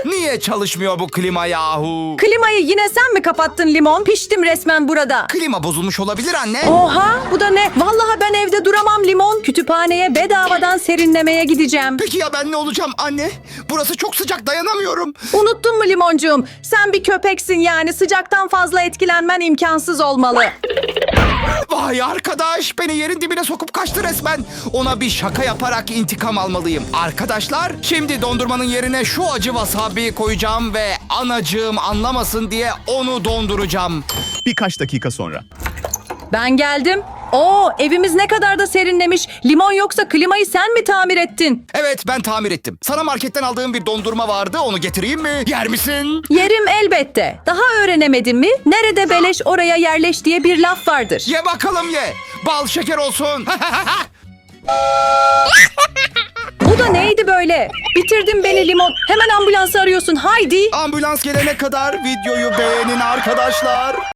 Niye çalışmıyor bu klima yahu? Klimayı yine sen mi kapattın limon? Piştim resmen burada. Klima bozulmuş olabilir anne. Oha, bu da ne? Vallahi ben evde duramam limon. Kütüphaneye bedavadan serinlemeye gideceğim. Peki ya ben ne olacağım anne? Burası çok sıcak, dayanamıyorum. Unuttun mu limoncuğum? Sen bir köpeksin yani, sıcaktan fazla etkilenmen imkansız olmalı. Vay arkadaş, beni yerin dibine sokup kaçtı resmen. Ona bir şaka yaparak intikam almalıyım. Arkadaşlar, şimdi dondurmanın yerine şu acı wasabi koyacağım ve anacığım anlamasın diye onu donduracağım. Birkaç dakika sonra. Ben geldim. Oo, evimiz ne kadar da serinlemiş. Limon, yoksa klimayı sen mi tamir ettin? Evet, ben tamir ettim. Sana marketten aldığım bir dondurma vardı, onu getireyim mi? Yer misin? Yerim elbette. Daha öğrenemedin mi? Nerede beleş oraya yerleş diye bir laf vardır. Ye bakalım ye. Bal şeker olsun. Bu da neydi böyle? Bitirdin beni limon. Hemen ambulansı arıyorsun, haydi. Ambulans gelene kadar videoyu beğenin arkadaşlar.